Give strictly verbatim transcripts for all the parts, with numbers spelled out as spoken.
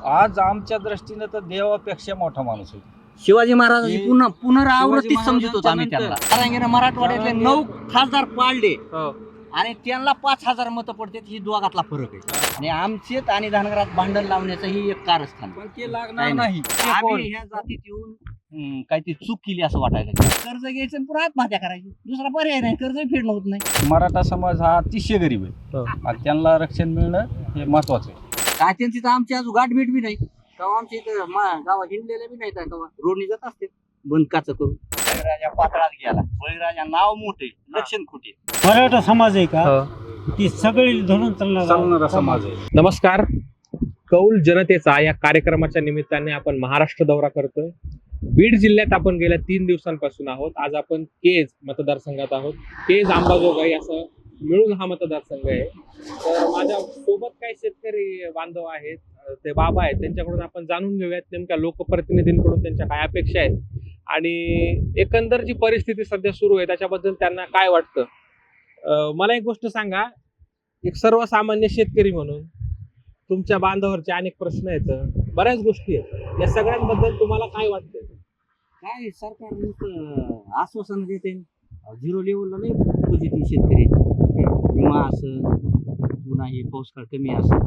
आज आमच्या दृष्टीने तर देवापेक्षा मोठा माणूस आहे. शिवाजी महाराजांची हे- पुन्हा पुनरावृत्ती शिवाजी समजत होतो आम्ही महाराजांच्या त्यांना. जरांगेनं मराठवाड्यातले जरांगे- नऊ खासदार पाळले हो. आणि त्यांना पाच हजार मतं पडतात, ही दोघातला फरक आहे. आणि आमचेत आणि धनगरात भांडण लावण्याचं ही एक कारस्थान. पण ते लागणार नाही, नाही. आम्ही ह्या जातीत येऊन हम्म, काहीतरी चूक केली असं वाटायला लागलं. कर्ज घ्यायचं आणि पुन्हा आत्महत्या करायची, दुसरा पर्याय नाही. कर्ज फेडणं होत नाही. मराठा समाज हा अतिशय गरीब आहे हो. आणि त्यांना रक्षण मिळणं हे महत्वाचं आहे. काय त्यांची तर आमची अजून गाठभेट बी नाही. तेव्हा आमच्या इथं मा- गावात हिंडलेल्या बी नाही तेव्हा रोडनी जात असते बंद काच करून. बळीराजा पातळात गेला. बळीराजा नाव मोठे, लक्षण खोटे. मराठा समाज आहे का हो. ती सगळी धरून चालणारा चालणार समाज आहे. नमस्कार. कौल जनतेचा या कार्यक्रमाच्या निमित्ताने आपण महाराष्ट्र दौरा करतोय. बीड जिल्ह्यात आपण गेल्या तीन दिवसांपासून आहोत. आज आपण केज मतदारसंघात आहोत. केज अंबाजोगाई असं मिळून हा मतदारसंघ आहे. तर माझ्या सोबत काही शेतकरी बांधव आहेत, ते बाबा आहेत, त्यांच्याकडून आपण जाणून घेऊयात नेमक्या लोकप्रतिनिधींकडून त्यांच्या काय अपेक्षा आहेत आणि एकंदर जी परिस्थिती सध्या सुरू आहे त्याच्याबद्दल त्यांना काय वाटतं. अं, मला एक गोष्ट सांगा, एक सर्वसामान्य शेतकरी म्हणून तुमच्या बांधावरचे अनेक प्रश्न आहेत, बऱ्याच गोष्टी आहेत, या सगळ्यांबद्दल तुम्हाला काय वाटतं? काय सरकार नुसतं आश्वासन देते. झिरो लेवलला नाही पॉझिटिव्ह शेतकरी विमा असं पुन्हा हे पाऊस काळ कमी असं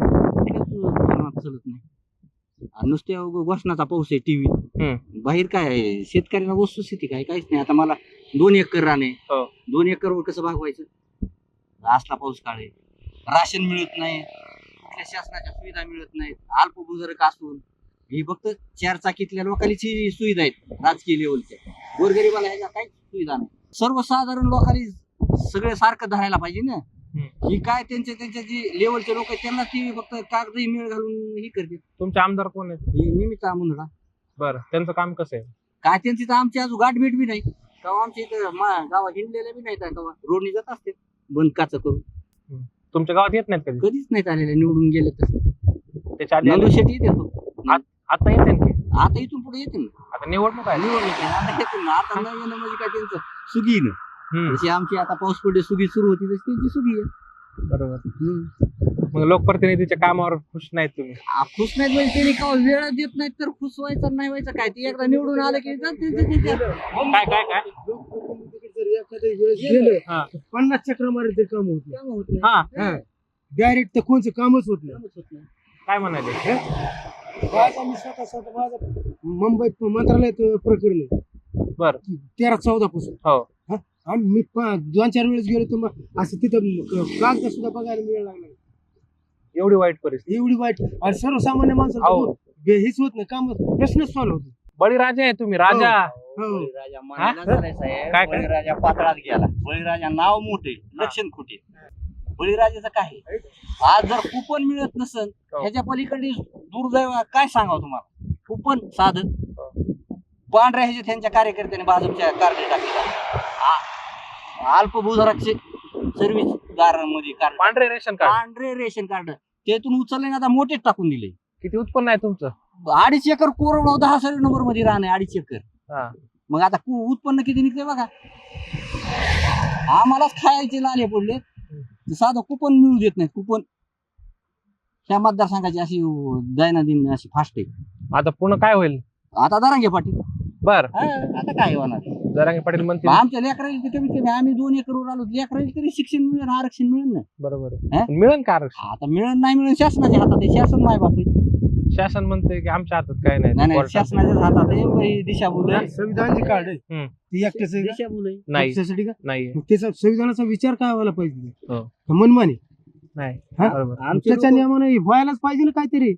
चलत नाही. आणि नुसत्या उगा घोषणाचा पाऊस आहे टीव्ही बाहेर. काय आहे शेतकऱ्यांना वस्तुस्थिती काय काहीच नाही. आता मला दोन एकर रान आहे. हो. दोन एकरवर कसं भागवायचं? असला पाऊस काळ आहे, राशन मिळत नाही, कुठल्या शासनाच्या सुविधा मिळत नाहीत. अल्पभूधारक असून ही फक्त चार चाकीतल्या लोकांची सुविधा आहेत, राजकीय लेवलच्या. गोरगरीबाला ह्याच्या काहीच सुविधा नाही. सर्वसाधारण लोकांनी सगळे सारखं धरायला पाहिजे ना. ही काय त्यांच्या त्यांच्या जी लेवलचे लोक आहेत त्यांना ती फक्त कागदी मेळ घालून ही करते. तुमचे आमदार कोण आहेत? ही निमित्त मुंदडा. बरं, त्यांचं काम कसं आहे? काय त्यांची तर आमची अजून गाठभेट बी नाही. तेव्हा आमच्या इथं मा- गावात हिंडलेल्या बी नाही. तेव्हा रोडनी जात असते बंद काच करून. तुमच्या गावात येत नाहीत कधी? कधीच नाहीत आलेल्या निवडून गेले तर. त्याच्या आधी आले? नंदू शेट्टी येते तो. आता येते ना ते? आता इथून पुढे येते ना आता निवडणूक आहे. निवडणूक आहे. आता येते ना. आता नवीन म्हणजे काय त्यांचं सुगीनं. हम्म, जशी आमची आता पाऊस पडले सुगी सुरू होती तशी त्यांची सुगी आहे. बरोबर. हम्म. मग लोकप्रतिनिधीच्या कामावर खुश नाहीत तुम्ही? आ, खुश नाहीत म्हणजे त्यांनी का वेळ देत नाहीत तर खुश व्हायचं नाही व्हायचं काय. ते एकदा निवडून आलं की जाते ते- ते- ते- काय काय काय हा. पन्नास चक्र मारे ते काम होत कामं होत नाही. हा, डायरेक्ट तर कोणचं कामच होत नाही. कामच होत नाही. काय म्हणाले? माझा मी स्वतः स्वतः माझं मुंबईत मंत्रालयात प्रकरण आहे बर. तेरा चौदा पासून. हो. आणि मी प- दोन चार वेळेस गेलो तर मग असं तिथं कागद सुद्धा बघायला मिळायला लागला. एवढी वाईट परिस्थिती. एवढी वाईट. आणि सर्वसामान्य अहो. माणसं हेच होत नाही, काम प्रश्नच सॉल्व्ह होतो. बळीराजा आहे तुम्ही, राजा. हो. बळीराजा मानायला हा? झालाय साहेब. काय- काय? बळीराजा पातळात गेला. बळीराजा नाव मोठे, लक्षण खोटे. बळीराजाचं काय आहे? आज जर कुपन मिळत नसेल हो. ह्याच्या पलीकडे दुर्दैव काय सांगावं तुम्हाला. कुपन साधन पांढऱ्या ह्याचे त्यांच्या कार्यकर्त्यांनी भाजपच्या कार्ड टाकले. अल्पभूधारकचे सर्व्हिसदारांमध्ये कार्ड, पांढरे रेशन कार्ड. पांढरे रेशन कार्ड त्यातून उचलले ना आता मोठेच टाकून दिले. किती उत्पन्न आहे तुमचं? अडीच एकर कोरडवाहू दहा सर्व नंबर मध्ये राहणे अडीच एकर. हा. मग आता कु- उत्पन्न किती निघते बघा. आम्हालाच खायचे लाले पडले. साधं कुपन मिळू देत नाही. कुपन ह्या मतदारसंघाची अशी दैनंदिन अशी फास्ट आहे. आता पुन्हा काय होईल? आता दरांगे पाटील. बर. हा, आता काय होणार? जरांगे पाटील म्हणतील. आमच्या लेकराला तर कमीत कमी आम्ही दोन एकरवर आलो लेकराला तरी शिक्षण मिळेल, आरक्षण मिळेल ना. बरोबर हा? आहे. मिळेल का आरक्षण? आता मिळेल नाही मिळेल शासनाच्या हातात आहे. शासन माय बाप आहे. शासन म्हणते की आमच्या हातात काय नाही. नाही नाही कोर्टात. शासनाच्याच हातात आहे. ही दिशाभूल आहे. संविधानचे कार्ड आहे हम्म. ती एकट्याच आहे का? दिशाभूल आहे. नाही त्याच्यासाठी का? नाही मग त्याचा संविधानाचा विचार काय व्हायला पाहिजे? हो. का मनमानी? नाही. हा? बरोबर. आमचे त्याच्या लोकं- नियमाने व्हायलाच पाहिजे ना काहीतरी.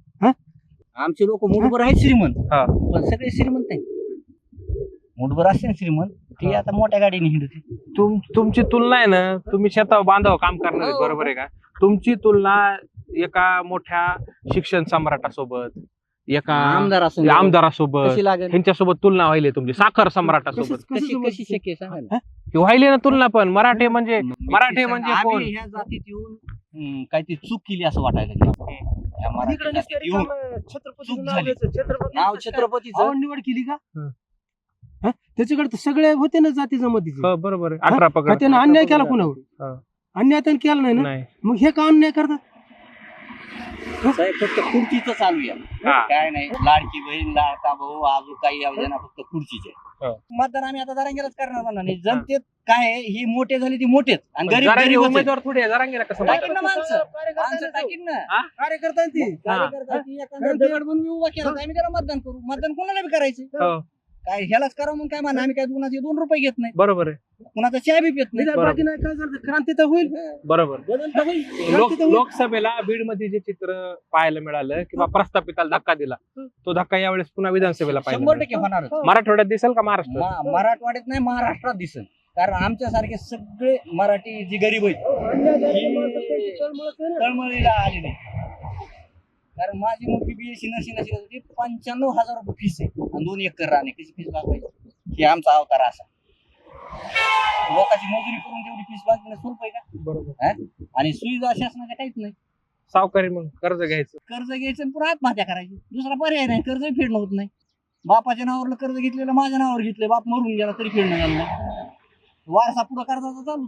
आमचे लोक मुठभर आहेत श्रीमंत, हा. पण सगळे श्रीमंत नाही. मुठभर असते ना श्रीमंत ती आता मोठ्या गाडीने हिंडते. तुम तुमची तुलना आहे ना, तुम्ही शेतावर बांधाव काम करणार आहे, हो. बरोबर आहे का? तुमची तुलना एका मोठ्या शिक्षण सम्राटासोबत, एका आमदारासोबत आमदारासोबत, कशी लागेल? ह्यांच्यासोबत तुलना व्हायली तुमची साखर सम्राटासोबत. कसं- कशी कसं कशी शक्य आहे सांगा ना. ही व्हायली ना तुलना. पण मराठे म्हणजे मराठे सांगा, म्हणजे आम्ही कोण? ह्या जातीत येऊन हम्म, काहीतरी चूक केली असं वाटायला लागलं. या मराठी इकडे जातीत निष्कारी येऊन काम, छत्रपतीचं चूक नाव झाली. घ्यायचं, छत्रपती नाव छत्रपतीचं आवड निवड केली का? हं. हा? त्याच्याकडे तर सगळे होते ना जाती जमातीचे. हो, बरोबर आहे. अठरा पकड. का त्यानं अन्याय केला हा. कोणावर? अन्याय त्यानं केला नाही ना. नाही. मग हे का अन्याय करतात? साहेब फक्त खुर्चीच चालू आहे हा. काय नाही लाडकी बहीण लाडका भाऊ अजून काही योजना फक्त खुर्चीचे हो. मतदान आम्ही आता जरांगेलाच करणार म्हणा नाही जनतेत काय आहे, ही मोठे झाले ती मोठेच आणि गरीब जरांगे गरीबच आहेत. उमेदवार थोडी आहे, जरांगेला कसं टाकीन म्हणतात? ना माणसं माणसं टाकीन ना हा? कार्यकर्ता ती हा. कार्यकर्ता ती एखादा दगड बनवून उभा केला तर आम्ही त्याला मतदान करू मतदान कोणाला बी करायचं हो. काय ह्यालाच करा म्हणून काय म्हणा आम्ही काय कुणाचे दोन रुपये घेत नाही बरोबर आहे, कुणाचा चहा बी पित नाही बरोबर. बाकी नाही काय झालं क्रांती तर होईल बरोबर. बदल तर होईल. लोक लोकसभेला बीड मध्ये जे चित्र पाहायला मिळालं किंवा प्रस्थापिताला धक्का दिला तो धक्का यावेळेस पुन्हा विधानसभेला पाहिजे शंभर टक्के होणार मराठवाड्यात दिसेल का महाराष्ट्रात? मराठवाड्यात नाही महाराष्ट्रात दिसेल कारण आमच्यासारखे सगळे मराठी जी गरीब आहेत ही तळमळीला आले नाही कारण माझी मोठी बीएससी नर्सिंग नर्सिंग होती पंच्याण्णव हजार रुपये फीस आहे आणि दोन एकर राहणे कशी फीस भागवायची हे आमचा अवतार असा लोकांची मजुरी करून तेवढी फीस भागणं सोपं आहे का बरोबर. हा? आणि सुविधा शासनाच्या काहीच नाही सावकारी मग कर्ज घ्यायचं कर्ज घ्यायचं आणि पुन्हा आत्महत्या करायची दुसरा पर्याय नाही कर्ज फेडणं होत नाही बापाच्या नावावर कर्ज घेतलेलं माझ्या नावावर घेतलं बाप मरून गेला तरी फेडणं झालं नाही वारसा पुढं कर्जाचा चालूच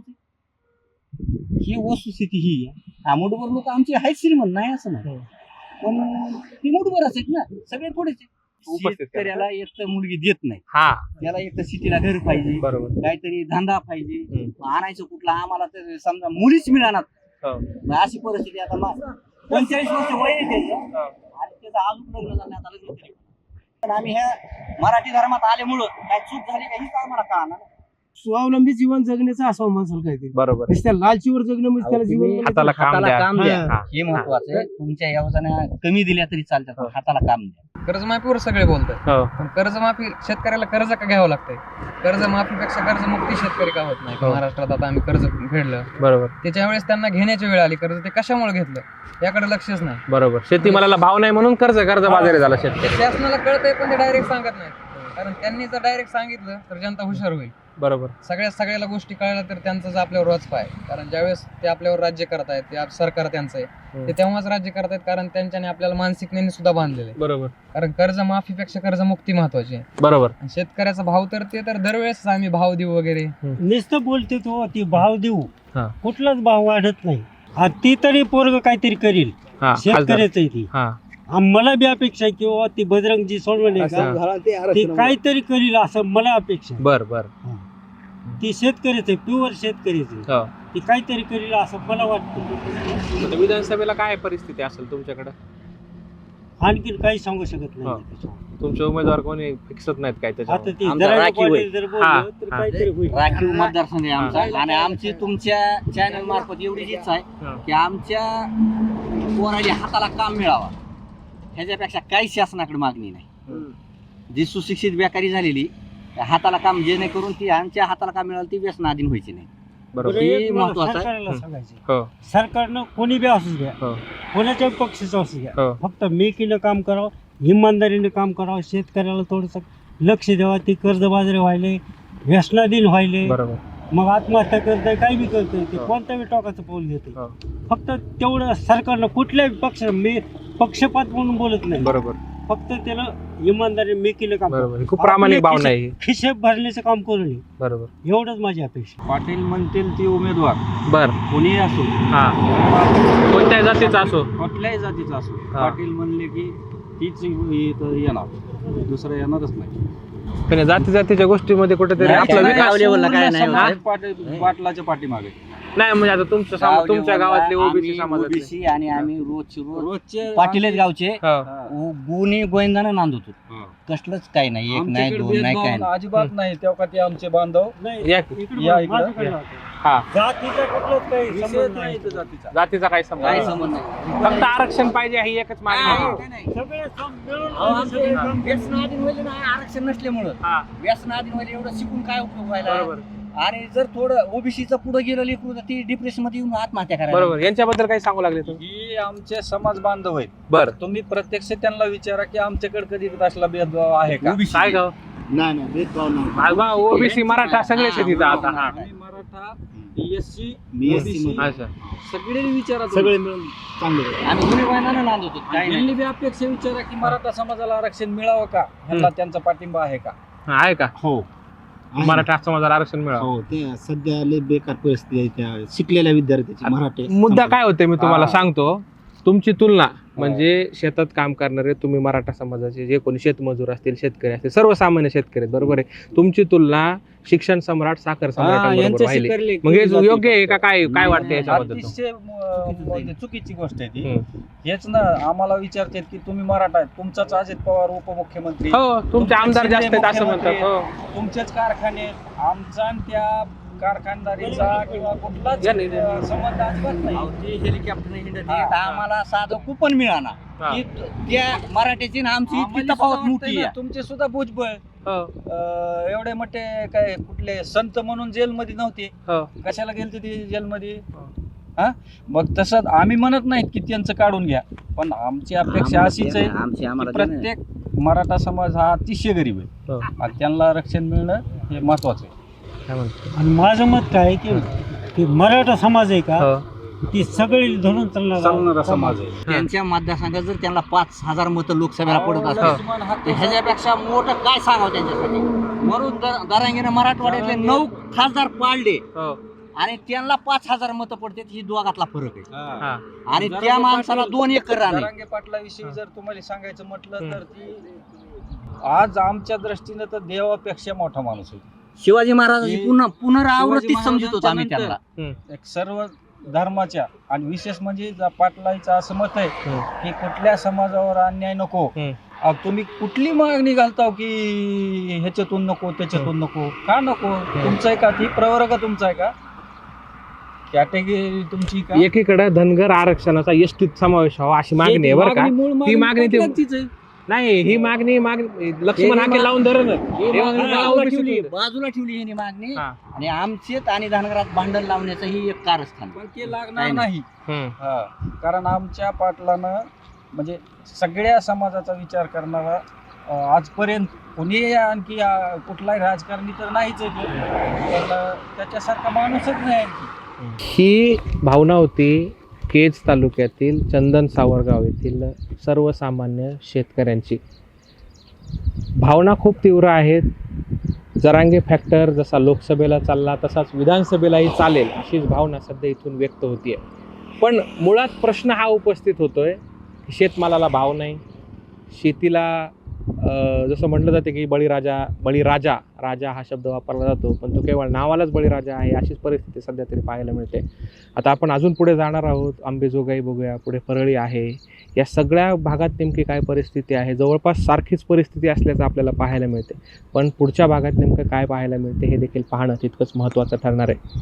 आहे ही वस्तुस्थिती ही आहे हा मुठभर लोक आमची आहेत श्रीमंत नाही असं नाही पण ती मुठभरच आहेत ना सगळे थोडेच आहेत. उपस्थित करा. शेतकऱ्याला एक तर मुलगी देत नाही हा त्याला एक तर सिटीला घर पाहिजे बरोबर. काहीतरी धंदा पाहिजे हम्म. आणायचं कुठला आम्हाला तर समजा मुलीच मिळणार हो. मग अशी परिस्थिती आता मा- पंचेचाळीस वर्ष वय आहे त्याचं आणि त्याचं अजून लग्न झालं आता लग्न तरी पण आम्ही ह्या मराठी धर्मात आल्यामुळं काय चूक झाली का हीच आम्हाला कळणार स्वावलंबी जीवन जगण्याचं असावं माणसाला काहीतरी बरोबर. नुसत्या लालचीवर जगणं म्हणजे त्याला जीवन म्हणायचं. हाताला काम हाताला द्या. काम द्या हा. हे महत्वाचं आहे तुमच्या योजना कमी दिल्या तरी चालतात पण हाताला काम द्या कर्जमाफीवर सगळे बोलतात हो. पण कर्जमाफी शेतकऱ्याला कर्ज का घ्यावं लागतंय कर्जमाफीपेक्षा कर्जमुक्ती शेतकरी का होत नाही हो. महाराष्ट्रात आता आम्ही कर्ज फेडलं बरोबर त्याच्या वेळेस त्यांना घेण्याची वेळ आली कर्ज ते कशामुळे घेतलं याकडे लक्षच नाही बरोबर. शेतीमालाला भाव नाही म्हणून कर्ज कर्ज बाजारी झाला शेतकरी. ते शासनाला कळतंय पण ते डायरेक्ट सांगत नाही कारण त्यांनी जर डायरेक्ट सांगितलं तर जनता हुशार होईल बरोबर. सगळ्या सगळ्याला गोष्टी कळल्या तर त्यांचाच आपल्यावर रोज पाय कारण ज्यावेळेस ते आपल्यावर राज्य करतायत ते आप- सरकार त्यांचं आहे हम्म. ते तेव्हाच राज्य करतायत कारण त्यांच्याने आपल्याला मानसिकतेने सुद्धा बांधलेलं आहे बरोबर कारण कर्जमाफीपेक्षा कर्जमुक्ती महत्वाची आहे बरोबर. आणि शेतकऱ्याचा भाव तर ते तर दरवेळेस आम्ही भाव देऊ वगैरे नुसतं बोलते तो ती भाव देऊ हा. कुठलाच भाव वाढत नाही आ, ती तरी पोरग काहीतरी करील हा खासदार. शेतकऱ्याच आहे ती हा आ, मला बी अपेक्षा आहे किंवा ती बजरंगजी सोनवणे का असं. ती काहीतरी करील असं मला अपेक्षा आहे. बर बर. ती शेतकरीच आहे प्युअर शेतकरीच आहे हो. ती काहीतरी करील असं मला वाटतं आता विधानसभेला काय परिस्थिती असेल तुमच्याकडे? आणखीन काही सांगू शकत हा. नाही त्याच्यावर. तुमचे उमेदवार कोणी फिक्सत नाहीत काय आता त्याच्यावर? ती आमचा जरा राखीव आहे. पाटील जर हा, बोललं तर हा. काहीतरी होईल राखीव मतदारसंघ आहे आमचा आणि आमची तुमच्या चॅनल मार्फत एवढीच इच्छा आहे हा. की आमच्या पोराच्या हाताला काम मिळावा ह्याच्यापेक्षा काही शासनाकडे मागणी नाही जी सुशिक्षित बेकारी झालेली त्या हाताला काम जेणेकरून ती आमच्या हाताला काम मिळालं ती व्यसनाधीन व्हायची नाही बरोबर. हे एक मला महत्वाचं आहे. सरकारला हं. सांगायचं हो सरकारनं कोणी बी असू द्या हो कोणाच्या पक्षाचं असू द्या हो. फक्त मेकीनं काम करावं इमानदारीने काम करावं शेतकऱ्याला थोडंसं लक्ष द्यावं ते कर्जबाजारी व्हायले व्यसनाधीन व्हायले बरोबर. मग आत्महत्या करताय काही बी करताय ते हो. कोणत्या बी टोकाचं पाऊल घेते हो. फक्त तेवढं सरकारनं कुठल्याही पक्ष मी पक्षपात म्हणून बोलत नाही बरोबर फक्त त्याला इमानदारी मेकीनं काम बरोबर. ही खूप प्रामाणिक आपल्या भावना आहे ही. खिशे भरण्याचं काम करू नये बरोबर. एवढंच माझी अपेक्षा पाटील म्हणतील ती उमेदवार बर. कोणी असो हा कोणत्या जातीचा असो कुठल्याही जातीचा असो हा. पाटील म्हणले की तीच इथं येणार दुसरं येणारच नाही पण या जाती जातीच्या गोष्टीमध्ये कुठेतरी नाही, आपला नाही, विकास level ला काय नाही समाज होत. पाटील पाटलाच्या पाठीमागे नाही म्हणजे आता तुमचं समाज तुमच्या गावातले ओबीसी आम्ही समाजातले ओबीसी आणि आम्ही रोजची रोज रोजचे पाटीलच गावचे हो. उ- गुणी गोविंदानं नांद होतो हा. कसलंच काही नाही एक नाही आमच्याकडे दोन नाही काय भेदभाव नाही अजिबात नाही तेव्हा ते आमचे बांधव नाही या इकडं या बघ, इकडं. माझ्याकडे राहतो. हा जातीचा कुठलाच काही विषयच संबंध नाही नाही इथं जातीचा जातीचा काही संबंध काही नाही. संबंध नाही फक्त आरक्षण पाहिजे ही एकच मागणी आहे. सगळे सम मिळून अहो, आमचं सगळे ते काम व्यसनाधीन व्हायला नाही आरक्षण नसल्यामुळं हा व्यसनाधीन व्हायला एवढं शिकून काय उपयोग व्हायला बरोबर आणि जर थोडं ओबीसीचं पुढे गेलं लेकरू तर ती डिप्रेशन मध्ये येऊन आत्महत्या करायला बरोबर. यांच्याबद्दल काही सांगू लागले तुम्ही? ही आमचे समाज बांधव आहेत बर तुम्ही प्रत्यक्ष त्यांना विचारा की आमच्याकडे कधी असला भेदभाव आहे का काय गाव नाही नाही भेदभाव नाही ओबीसी मराठा सगळे शेतीचा आता हा आम्ही मराठा एससी मी एससी मध्ये. अच्छा सगळे विचारा सगळे मिळून चांगले आम्ही गुन्हे गोविंदानं नांद होतो काही नाही त्यांनी बी अपेक्षा विचारा की मराठा समाजाला आरक्षण मिळावं का ह्यांना त्यांचा पाठिंबा आहे का हा, आहे का हो आहे. मराठा समाजाला आरक्षण मिळावं? हो ते सध्या लय बेकार परिस्थिती आहे त्या शिकलेल्या विद्यार्थ्याची मराठी मुद्दा काय होते मी तुम्हाला हा. सांगतो तुमची तुलना म्हणजे शेतात काम करणारे तुम्ही मराठा समाजाचे जे कोणी शेतमजूर असतील शेतकरी असतील सर्वसामान्य शेतकरी आहेत बरोबर आहे तुमची तुलना शिक्षण सम्राट साखर सम्राटांबरोबर व्हायली मग हे योग्य आहे का काय काय वाटतं याच्याबद्दल अतिशय म- म्हणजे चुकीची गोष्ट आहे ती हम्म. हेच ना आम्हाला विचारतात की तुम्ही मराठा आहेत तुमचाच अजित पवार उपमुख्यमंत्री हो तुमचे आमदार जास्त आहेत असं म्हणतात हो तुमचेच कारखाने आहेत. आमचा आणि त्या कारखानदारीचा किंवा कुठलाच या नाही. अं, संबंध अजिबात नाही अहो, ते हेलिकॉप्टर हिंडत हा, आहेत. हा. आम्हाला साधं कुपन मिळाना हा. की त्या मराठ्याची ना आमची इतकी आम्हाला तफावत सुद्धा मोठी वाटतंय ना, आहे. तुमचे सुद्धा भुजबळ हो अं, एवढे मोठे काय कुठले संत म्हणून जेलमध्ये नव्हते हो कशाला गेलते ते जेलमध्ये हा मग तसं आम्ही म्हणत नाहीत की त्यांचं काढून घ्या पण आमची अपेक्षा आम्हाला अशीच ते आहे ना, आमची की आम्हाला ते ना. प्रत्येक मराठा समाज हा अतिशय गरीब आहे हो आणि त्यांना रक्षण मिळणं हे महत्वाचं आहे काय म्हणतो आणि माझं मत काय आहे की की मराठा समाज आहे का हो ती सगळी धरून चालणारा चालणारा समाज आहे त्यांच्या मतदारसंघात जर त्यांना पाच हजार मतं लोकसभेला पडत असतात लक्ष्मण हा तर ह्याच्यापेक्षा मोठं काय सांगावं त्यांच्यासाठी म्हणून द- दरांगेनं मराठवाड्यातले नऊ खासदार पाळले हो आणि त्यांना पाच हजार मतं पडतात ही दोघातला फरक आहे हा. हा आणि जरांगे त्या माणसाला पाटील- दोन एकर रान आहे. जरांगे पाटलाविषयी जर तुम्हाला सांगायचं म्हटलं हम्म. तर ती आज आमच्या दृष्टीनं तर देवापेक्षा मोठा माणूस आहे शिवाजी महाराजांची हे- पुन्हा पुनरावृत्ती शिवाजी समजत होतो आम्ही महाराजांच्या त्यांना एक सर्व धर्माच्या आणि विशेष म्हणजे जा- पाटलांचं असं मत आहे हम्म. की कुठल्या समाजावर अन्याय नको हम्म. अहो, तुम्ही कुठली मागणी घालताव की ह्याच्यातून नको त्याच्यातून नको का नको तुमचं आहे का ती प्रवर्ग तुमचा आहे का कॅटेगरी तुमची का एकीकडे धनगर आरक्षणाचा एसटीत समावेश व्हावा अशी मागणी आहे बरं का मूळ ती मागणी ते- पाटलांचीच आहे. नाही ही मागणी मागणी लक्ष्मण हाके लावून धरण बाजूला ठेवली बाजूला ठेवली ही मागणी हा. आणि आमचेत आणि धनगरात भांडण लावण्याचं ही एक कारस्थान पण ते लागणार नाही, नाही हा. कारण आमच्या पाटलानं म्हणजे सगळ्या समाजाचा विचार करणारा अं, आजपर्यंत कोणी आणखी अं, कुठलाही राजकारणी तर नाहीच आहे तो. पण अं, त्याच्यासारखा माणूसच नाही आणखी ही भावना होती केज तालुक्यातील चंदन सावरगाव येथील सर्वसामान्य शेतकऱ्यांची भावना खूप तीव्र आहेत जरांगे फॅक्टर जसा लोकसभेला चालला तसाच विधानसभेलाही चालेल अशीच भावना सध्या इथून व्यक्त होतीये पण मुळात प्रश्न हा उपस्थित होतोय की शेतमालाला भाव नाही शेतीला अं, जसं म्हटलं जाते की बळीराजा बळीराजा राजा हा शब्द वापरला जातो पण तो केवळ नावालाच बळीराजा आहे अशीच परिस्थिती सध्या तरी पाहायला मिळते आता आपण अजून पुढे जाणार आहोत अंबेजोगाई बघूया पुढे परळी आहे या सगळ्या भागात नेमकी काय परिस्थिती आहे जवळपास सारखीच परिस्थिती असल्याचं आपल्याला पाहायला मिळते पण पुढच्या भागात नेमकं काय पाहायला मिळते हे देखील पाहणं तितकंच महत्त्वाचं ठरणार आहे